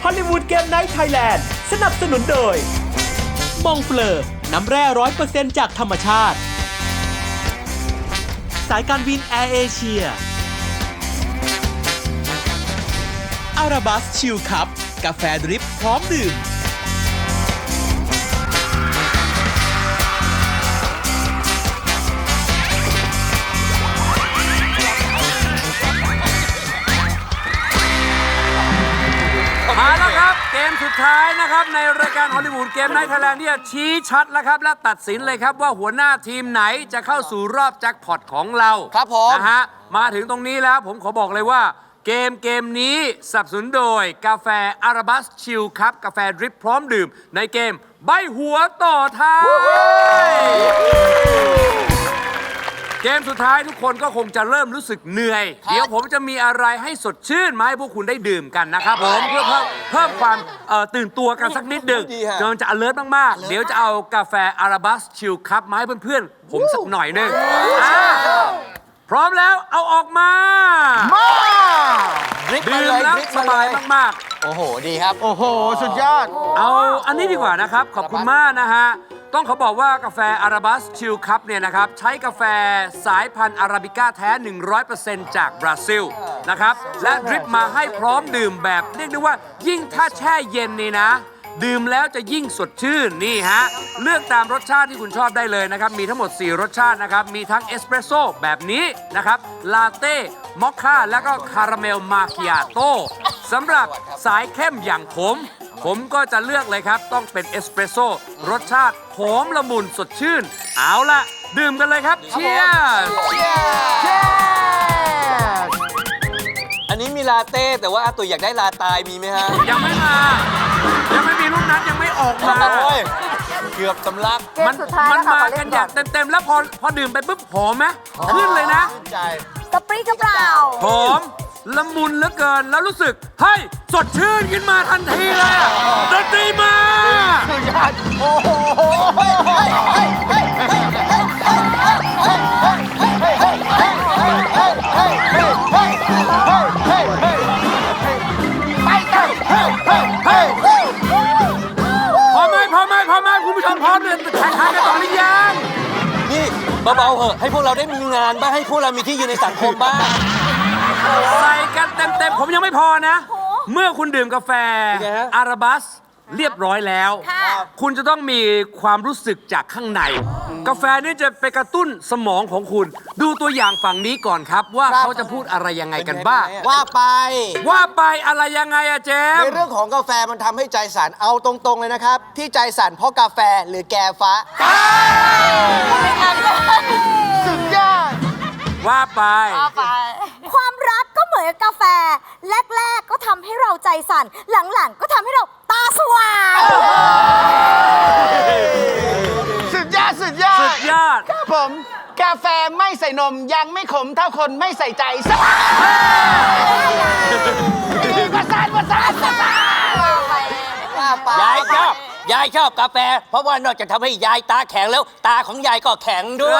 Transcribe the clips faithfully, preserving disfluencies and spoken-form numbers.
ฮอลลีวูดเกมไนท์ไทยแลนด์สนับสนุนโดยมองเฟลอร์น้ำแร่ร้อยเปอร์เซ็นต์จากธรรมชาติสายการบินแอร์เอเชียอาราบัสชิลคัพกาแฟดริปพร้อมดื่มมาแล้วครับเกมสุดท้ายนะครับในรายการฮอลลีวูดเกมไนท์ไทยแลนด์ที่จะชี้ชัดแล้วครับและตัดสินเลยครับว่าหัวหน้าทีมไหนจะเข้าสู่รอบแจ็คพอตของเราครับผมนะฮะมาถึงตรงนี้แล้วผมขอบอกเลยว่าเกมเกมนี้สนับสนุนโดยกาแฟอาราบัสชิลครับกาแฟดริปพร้อมดื่มในเกมใบหัวต่อท้ายเกมสุดท้ายทุกคนก็คงจะเริ่มรู้สึกเหนื่อย เดี๋ยวผมจะมีอะไรให้สดชื่นมาให้พวกคุณได้ดื่มกันนะครับผมเพื่อเพิ่มเพิ่มความเอ่อตื่นตัวกันสักนิดหนึ่งจนจะ alert มากๆ เดี๋ยวจะเอากาแฟอาราบัสชิลคัพมาให้เพื่อนๆ ผมสักหน่อยหนึงอ่าพร้อมแล้วเอาออกมาดื่มแล้วสบายมากๆโอ้โห ดีครับโอ้โห สุดยอดเอาอันนี้ดีกว่านะครับ ขอบคุณมากนะฮะ ต้องขอบอกว่ากาแฟอาราบัสชิลคัพเนี่ยนะครับ ใช้กาแฟสายพันธุ์อาราบิก้าแท้ หนึ่งร้อยเปอร์เซ็นต์ จากบราซิลนะครับ และดริปมาให้พร้อมดื่มแบบเรียกได้ว่ายิ่งถ้าแช่เย็นนี่นะ ดื่มแล้วจะยิ่งสดชื่น นี่ฮะ เลือกตามรสชาติที่คุณชอบได้เลยนะครับ มีทั้งหมด สี่ รสชาตินะครับ มีทั้งเอสเปรสโซ่แบบนี้นะครับลาเต้มอคค่าแล้วก็คาราเมลมาคิอาโต้สำหรับสายเข้มอย่างผม ผมก็จะเลือกเลยครับ ต้องเป็นเอสเปรสโซ่รสชาติหอมละมุนสดชื่น เอาล่ะ ดื่มกันเลยครับเชียร์อันนี้มีลาเต้แต่ว่าอาตุยอยากได้ลาตายมีไหมฮะยังไม่มา ยังไม่มีลูกนัดยังไม่ออกมาโอ้ยเกือบสำลักมันมันมากันอย่างเต็มๆ แล้วพอพอดื่มไปปุ๊บหอมไหมขึ้นเลยนะใจสปรีกระเปล่าหอมละมุนเหลือเกินแล้วรู้สึกเฮ้ยสดชื่นขึ้นมาทันทีเลยอะดนตรีมาสุดยอด โอ้โหพอไหมพอไหมพอไหมคุณผู้ชมพร้อมเลยแข่งขันกันต่อหรือยังนี่เบาๆเหอะ ให้พวกเราได้มีงานบ้าง ให้พวกเรามีที่ยืนในสังคมบ้างใส่กันเต็มๆผมยังไม่พอนะ เมื่อคุณดื่มกาแฟเป็นไงฮะอาราบัสเรียบร้อยแล้ว คุณจะต้องมีความรู้สึกจากข้างใน กาแฟนี่จะไปกระตุ้นสมองของคุณ ดูตัวอย่างฝั่งนี้ก่อนครับ ว่าเขาจะพูดอะไรยังไงกันบ้างว่าไปว่าไปอะไรยังไงอะเจมในส์เรื่องของกาแฟมันทำให้ใจสั่นเอาตรงๆเลยนะครับ ที่ใจสั่นเพราะกาแฟหรือแกฟ้าสุดยอดว่าไปความรักก็เหมือนกับกาแฟ แรก ๆ ก็ทำให้เราใจสั่น หลัง ๆ ก็ทำให้เราตาสว่างสุดยอด สุดยอดสุดยอดครับผม กาแฟไม่ใส่นมยังไม่ขมเท่าคนไม่ใส่ใจสบายประสานประสานประสานยายชอบ ยายชอบกาแฟ เพราะว่านอกจากทำให้ยายตาแข็งแล้ว ตาของยายก็แข็งด้วย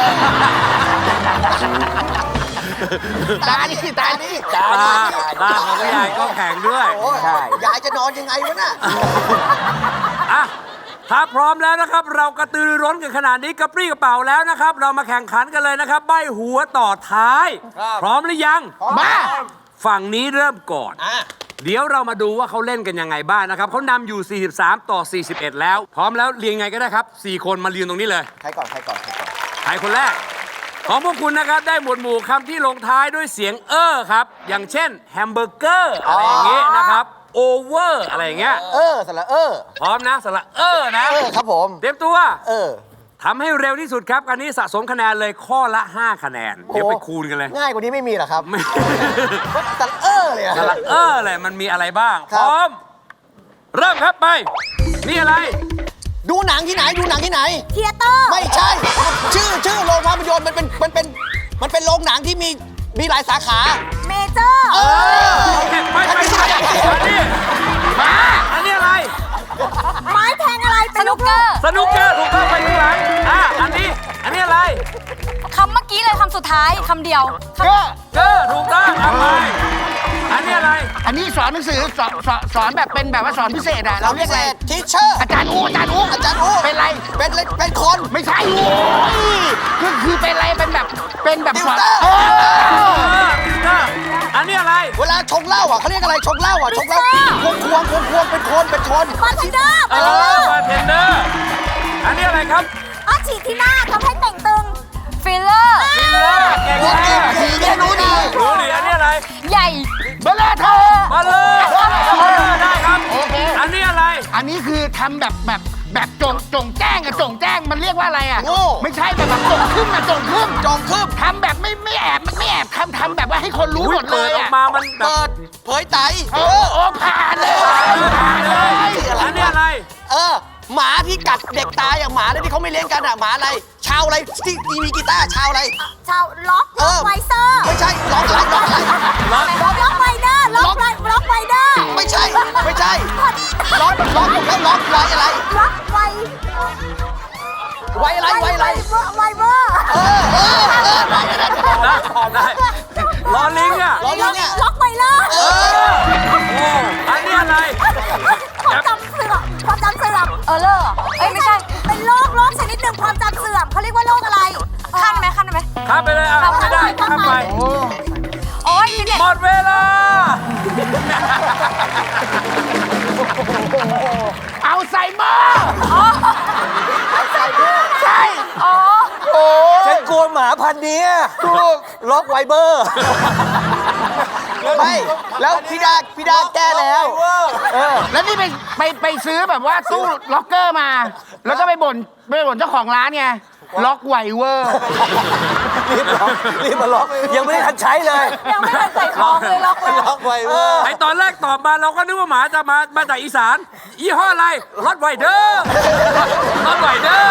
ตานี่ตานี่ตาตาตาตาของยายก็แข็งด้วยใช่ ยายจะนอนยังไงวะน่ะอ่ะ ถ้าพร้อมแล้วนะครับ เรากระตือรือร้นกันขนาดนี้กระปรี้กระเป๋าแล้วนะครับ เรามาแข่งขันกันเลยนะครับ ใบหัวต่อท้าย พร้อมหรือยังมาฝั่งนี้เริ่มก่อน เดี๋ยวเรามาดูว่าเขาเล่นกันยังไงบ้างนะครับเขานำอยู่ สี่สิบสาม ต่อ สี่สิบเอ็ด แล้ว พร้อมแล้วเรียงไงก็ได้ครับ สี่ คนมาเรียงตรงนี้เลยใครก่อน ใครก่อน ใครก่อนใครคนแรก ของพวกคุณนะครับ ได้หมวดหมู่คำที่ลงท้ายด้วยเสียงเออครับ อย่างเช่นแฮมเบอร์เกอร์อะไรอย่างเงี้ยนะครับโอเวอร์อะไรอย่างเงี้ยเออสละเออพร้อมนะสระเออนะเออครับผมเตรียมตัวเออทำให้เร็วที่สุดครับอันนี้สะสมคะแนนเลยข้อละ ห้า คะแนน เดี๋ยวไปคูณกันเลยง่ายกว่านี้ไม่มีหรอครับไม่สละเออเลยอะสระเออเลยมันมีอะไรบ้างคพรับร้อม เริ่มครับไป นี่อะไรดูหนังที่ไหน ดูหนังที่ไหนเทียเตอร์ไม่ใช่ ชื่อ ชื่อโรงภาพยนตร์มันเป็น มันเป็น มันเป็นโรงหนังที่มี มีหลายสาขาเมเจอร์เออไม่ไม่ไม่อันนี้มาอันนี้อะไรไม้แทงอะไรเป็นลูกเกอร์สนุกเกอร์ถูกต้องไปข้างหลังอ่ะอันนี้ อันนี้อะไรคำเมื่อกี้เลยคำสุดท้ายคำเดียวก็เกอร์ถูกต้องเอาไปอันนี้อะไรอันนี้สอนหนังสือสอนสอนสอนแบบเป็นแบบว่าสอนพิเศษอะเราเรียกอะไรทีเชอร์อาจารย์อูอาจารย์อูอาจารย์อูเป็นไรเป็นเป็นคนไม่ใช่โว้ยคือคือเป็นอะไรเป็นแบบเป็นแบบสอนติวเตอร์เออติวเตอร์อันนี้อะไรเวลาชงเหล้าอ่ะเขาเรียกอะไรชงเหล้าอ่ะชงเหล้าควงควงควงควงเป็นคนเป็นคนบาร์เทนเดอร์เอบาร์เทนเดออร์บาร์เทนเดอร์อันนี้อะไรครับอ๋อฉีดที่หน้าทำให้แต่งตึงฟิลเลอร์ฟิลเลอร์เก่งรู้มาดีกผีเนี่ยรู้ดีรู้ดิอันนี้อะไรใหญ่เบลเลอร์เธอมาเลยได้ครับโอเคอันนี้อะไรอันนี้คือทำแบบแบบแบบจงจงแจ้งอะจงแจ้งมันเรียกว่าอะไรอะโง่ไม่ใช่แบบแบบจงขึ้นอะจงขึ้นจงคืบทำแบบไม่ไม่แอบไม่แอบทำทำแบบว่าให้คนรู้อุ๊หยมดเลเปิดยออกอะมามันแบบเปิดเผยไตโอ้โอ้ผ่านเลยผ่านเลยอันนี้อะไรเออหมาที่กัดเด็กตายอย่างหมาเลยที่เขาไม่เลี้ยงกันอ่ะหมาอะไรชาวอะไรที่มีกีตาร์ชาวอะไรชาวล็อกเอล็อกอไวเซอร์ไม่ใช่ล็อกอะไรล็อกอะไรล็อกล็อกล็อกไวเดอร์ล็อกไวล็อกไวเดอร์ไม่ใช่ไม่ใช่ล็อกล็อกแล้วล็อกไว้อะไรล็อกไวไว้อะไรไว้อะไรไวเวอร์เออเออเออไว้อะไรได้พอได้ล้อลิงอ่ะล้อลิงอะล็อกไวเลอร์เออโอ้อันนี้อะไรความจำเสื่อมความจำเสื่อมเออเลอร์เอ้ยไม่ใช่เป็นโรคโรคชนิดหนึ่งความจำเสื่อมเขาเรียกว่าโรคอะไรขั้นไหมขั้นไหมข้ามไปเลยอ่ะไม่ได้ข้ามไปโอ้ยนี่เนี่ยหมดเวลาเอาใส่หม้อใช่อ๋อฉันกลัวหมาพันธุ์นี้ถูกล็อกไวเบอร์ไม่แล้วพี่ดาพี่ดาแก้แล้วแล้วนี่ไปไปไปซื้อแบบว่าตู้ล็อกเกอร์มา แล้วก็ไปบ่นไปบ่นเจ้าของร้านไงล็อกไวเวอร์รีบล็อกรีบมาล็อกยังไม่ได้ทันใช้เลยยังไม่ทันใส่ของเลยล็อกเลยล็อกไวเวอร์ไอตอนแรกตอบมาเราก็นึกว่าหมาจะมามาจากอีสานยี่ห้ออะไรรถไวเดอร์รถไวเดอร์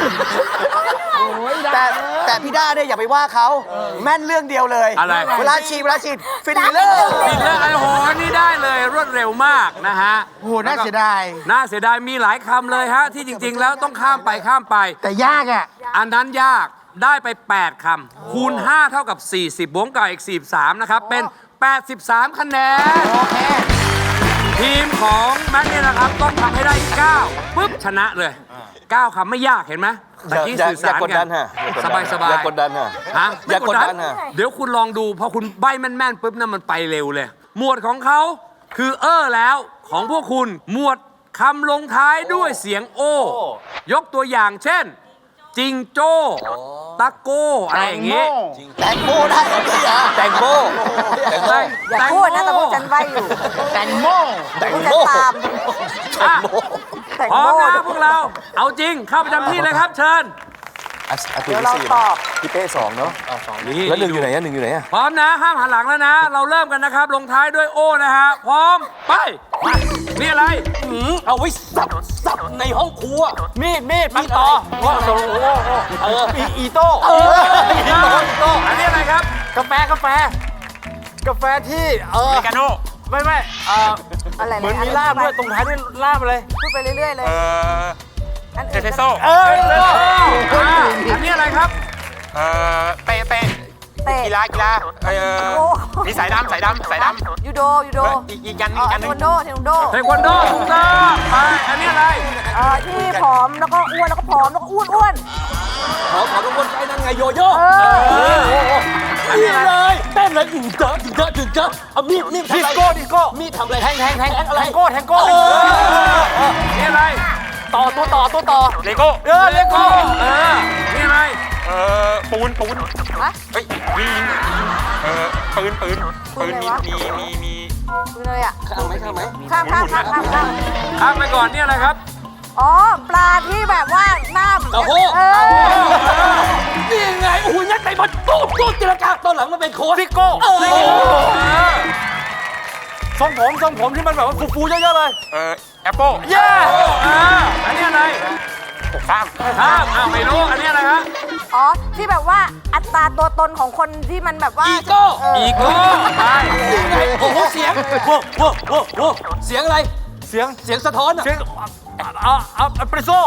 แต่แต่พี่ด้าเนี่ยอย่าไปว่าเขาแม่นเรื่องเดียวเลยอะไรเวลาฉีดเวลาฉีดฟิลเลอร์ปิดเรื่องไอ้โหนี่ได้เลยรวดเร็วมากนะฮะโอ้โหน่าเสียดายน่าเสียดายมีหลายคำเลยฮะ ที่จริง ๆ แล้วต้องข้ามไปข้ามไปแต่ยากอ่ะอันนั้นยากได้ไป แปด คำ คูณ ห้า เท่ากับ สี่สิบ บวกกับอีก สี่สิบสาม นะครับ เป็น แปดสิบสาม คะแนนโอเคทีมของแม็กเนี่ยนะครับ ต้องทำให้ได้ เก้า ปุ๊บ ชนะเลย เก้า คำไม่ยากเห็นไหมตะกี้อย่าสื่อสารอย่ากดดันฮะสบายสบายอย่ากดดันฮะฮะอย่ากดดันฮะเดี๋ยวคุณลองดู พอคุณใบ้แม่นๆปุ๊บนั่นมันไปเร็วเลย หมวดของเขาคือเออแล้วของพวกคุณหมวดคำลงท้ายด้วยเสียงโอ ยกตัวอย่างเช่น จิงโจ้ตะโก้อะไรอย่างงี้แตงโมได้เหรอพี่อ่ะแตงโมแตงโมอย่าพูดนะแต่พวกฉันใบอยู่แตงโมแตงพวกโมฉันตามอ่ะแต่งพร้อมโม่นะพวกเรา เอาจริงเข้าประจำที่เลยครับ เชิญเดี๋เดี๋ยวเราตอบพี่เป้สองเนาะนี่แล้วหนึ่งอยู่ไหนอะหนึ่งอยู่ไหนอะพร้อมนะ ห้ามหันหลังแล้วนะ เราเริ่มกันนะครับ ลงท้ายด้วยโอนะฮะ พร้อม ไปนี่อะไรเอาไว้สับสับในห้องครัวมีดมีดมีดต่อว่าโอ้โหเอออีอีโต้เอออีโต้อีโต้อันนี้อะไรครับกาแฟกาแฟ กาแฟที่เอออเมริกาโน่ไม่ไม่เอออะไรเหมือนมีลาบด้วยตรงท้ายด้วยลาบเลยพูดไปเรื่อยๆเลยเอออันเออื่นสเปรสก็โซ่ได้เอออ่าอันนี้อะไรครับเออเตะเตะเตะกีฬากีฬาเออโอ้มีสายดำสายดำสายดำยูโดยูโดอีกอีกยันเอ่อีอกยัเทนคนึวันงโดเทควันโดเทควันโดถูกต้องไปอันนี้อะไรเอ่อที่ผอมแล้วก็อ้วนแล้วก็ผอมแล้วก็อ้วนอ้วนขอขอรางวัลใจนั่งไงโยโย่เออนี่เลยเต้นเลยถึงเจอถึงเจอถึงเจอเอามีดมีดดิสโก้ดิสโก้มีดทำอะไรแทงแทงแทงอะไรแทงโก้แทงโก้นี่อะไรต่อตัวต่อตัวต่อเลโก้เออเลโก้เออนี่อะไรเออปูนปูนฮะเฮ้ยยิงยิงเออปืนปืนปืนมีมีมีมีคือเลยอ่ะข้ามไหมข้ามไหมข้ามข้ามข้ามข้ามข้ามข้ามไปก่อนนี่อะไรครับอ๋อปลาที่แบบว่าหน้าโอ้โหเออนี่ไงโอ้โหยัดไก่บอลตูดตูดจิรกาตอนหลังมันเป็นโค้ชซิโก้เออทรงผมทรงผมที่มันแบบว่าฟูๆเยอะๆเลย เออแอปเปิลเย้อ่าอันนี้อะไรข้ามข้ามอ้าวไม่รู้ อันนี้อะไรฮะอ๋อที่แบบว่าอัตราตัวตนของคนที่มันแบบว่าอีโก้เอออีโก้ไปนี่ไงโอ้โหเสียงโว้โว้โว้โว้เสียงอะไรเสียงเสียงสะท้อนอะเสียงเอาเอาเอสเปรสโซ่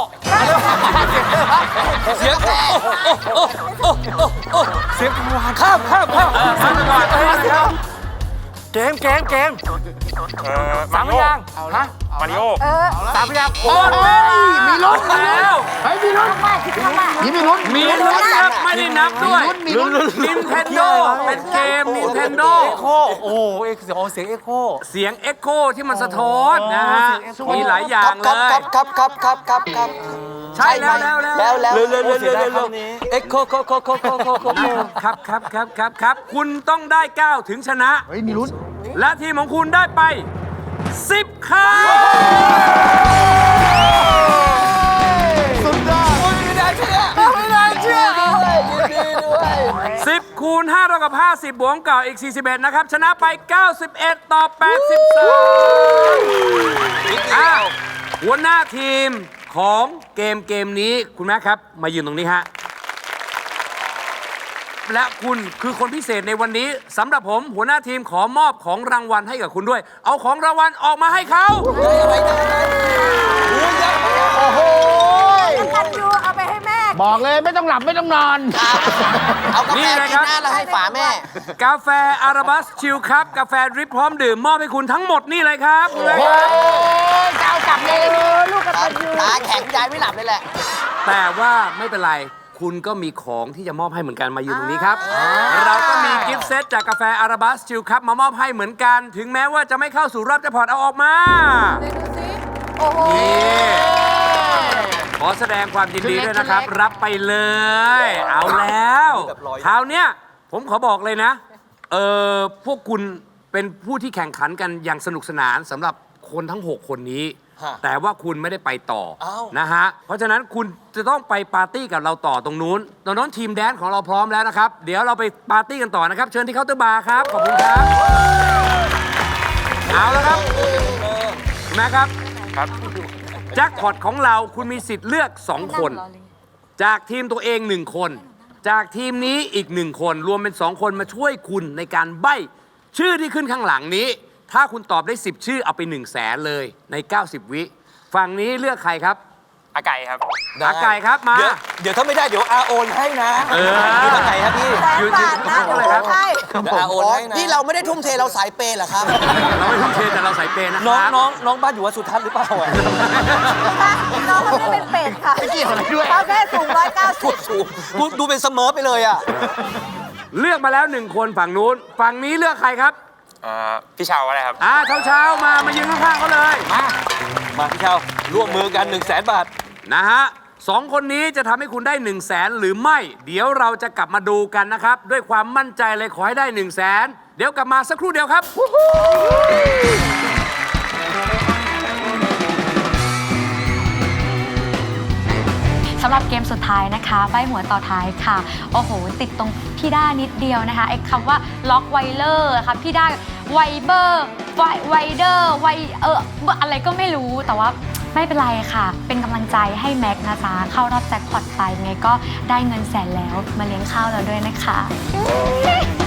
เสียงโอ้โอ้โอ้โอ้โอ้เสียงกังวานข้ามข้ามข้ามเออข้ามไปก่อนอันนี้อะไรครับเกมเกมเกมเออสามพยางค์ฮะมาริโอเออสามพยางค์หมดเวลามีลุ้นแล้วเฮ้ยมีลุ้นมากคิดมากนี่มีลุ้นมีลุ้นครับไม่ได้นับด้วยมีลุ้นมีลุ้น Nintendo เป็นเกม Nintendo เอ็กโคโอ้โหเอ็กโอ้เสียงเอ็กโคเสียงเอ็กโคที่มันสะท้อนนะฮะ มีหลายอย่างเลครับยครับครับครับครับครับใช่แล้วแล้วแล้วแล้วแล้วเร็วเร็วเร็วเร็วเร็วเอ็กโคโคโคโคโคโคโคครับครับครับครับครับคุณต้องได้เก้าถึงชนะเฮ้ยมีลุ้นและทีมของคุณได้ไปสิบครั้งสุดยอดไม่ได้เชื่อไม่ได้เชื่อด้วยยินดีด้วยสิบคูณห้าเท่ากับห้าสิบบวกเก่าอีกสี่สิบเอ็ดนะครับ ชนะไปเก้าสิบเอ็ดต่อแปดสิบสามอ่ะหัวหน้าทีมของเกมเกมนี้คุณแม่ครับ มายืนตรงนี้ฮะ และคุณคือคนพิเศษในวันนี้สำหรับผมหัวหน้าทีมขอมอบของรางวัลให้กับคุณด้วย เอาของรางวัลออกมาให้เขาโอ้โหๆกันยูเอาไปให้แม่บอกเลยไม่ต้องหลับไม่ต้องนอนเอากาแฟกินหน้าแล้วให้ฝาแม่กาแฟอาราบัสชิลครับกาแฟดริปพร้อมดื่มมอบให้คุณทั้งหมดนี่เลยครับโอ้ยจะเอากลับเลยลูกกันยูตาแข็งยายไม่หลับเลยแหละแต่ว่าไม่เป็นไรคุณก็มีของที่จะมอบให้เหมือนกันมาอยู่ตรงนี้ครับ เราก็มีกิฟต์เซตจากกาแฟอาราบัสชิลครับมามอบให้เหมือนกัน ถึงแม้ว่าจะไม่เข้าสู่รอบแจ็คพอตเอาออกมาโอ้โหนี่ขอแสดงความยินดีด้วยนะครับ รับไปเลย เอาแล้วคราวเนี้ยผมขอบอกเลยนะ เออพวกคุณเป็นผู้ที่แข่งขันกันอย่างสนุกสนานสำหรับคนทั้ง หก คนนี้ฮะแต่ว่าคุณไม่ได้ไปต่ออ้าวนะฮะ เพราะฉะนั้นคุณจะต้องไปปาร์ตี้กับเราต่อตรงนู้นตอนนั้นทีมแดนซ์ของเราพร้อมแล้วนะครับ เดี๋ยวเราไปปาร์ตี้กันต่อนะครับ เชิญที่เคาน์เตอร์บาร์ครับ ขอบคุณครับ เอาแล้วครับแม่ครับครับแจ็คพอตของเราคุณมีสิทธิ์เลือก สอง คน จากทีมตัวเอง หนึ่ง คน จากทีมนี้อีก หนึ่ง คน รวมเป็น สอง คนมาช่วยคุณในการใบ้ชื่อที่ขึ้นข้างหลังนี้ ถ้าคุณตอบได้ สิบ ชื่อเอาไป หนึ่ง แสนเลยใน เก้าสิบ วิ ฝั่งนี้เลือกใครครับอาไก่ครับอาไก่ครับมาเดี๋ยวเดี๋ยวถ้าไม่ได้เดี๋ยวอาโอนให้นะเออดูอาไก่ครับพี่แสนบาทนะยืนๆตรงนั้นเลยครับใช่เดี๋ยวอาโอนให้นะนี่เราไม่ได้ทุ่มเทเราสายเปย์เหรอครับเราไม่ทุ่มเทแต่เราใส่เปย์นะคน้องรับน้องน้องบ้านอยู่วัดสุทัศน์หรือเปล่าอ่ะน้องคนนี้เป็นเป็ดค่ะไม่เกี่ยวอะไรด้วยเขาแค่สูงร้อยเก้าสิบถูกดูดูเป็นเสมอไปเลยอ่ะเลือกมาแล้วหนึ่งคนฝั่งนู้น ฝั่งนี้เลือกใครครับเอ่อ พี่ชาวอะไรครับอ่าเช้าๆมา มายืนข้างๆเขาเลยมาพี่เชาร่วมมือกัน1นึ่งแสนบาทนะฮะสองคนนี้จะทำให้คุณได้1นึ่งแสนหรือไม่ เดี๋ยวเราจะกลับมาดูกันนะครับ ด้วยความมั่นใจเลยขอให้ได้1นึ่งแสนเดี๋ยวกลับมาสักครู่เดียวครับสำหรับเกมสุดท้ายนะคะใบหัวต่อท้ายค่ะ โอ้โห ติดตรงพี่ด้านิดเดียวนะคะไอ้คำว่าล็อกไวเลอร์ค่ะพี่ด้าไวเบอร์ไวไวเดอร์ไวเอออะไรก็ไม่รู้แต่ว่าไม่เป็นไรค่ะ เป็นกำลังใจให้แม็กซ์นะจ๊ะเข้ารอบแจ็คพอตไปไงก็ได้เงินแสนแล้วมาเลี้ยงข้าวเราด้วยนะคะ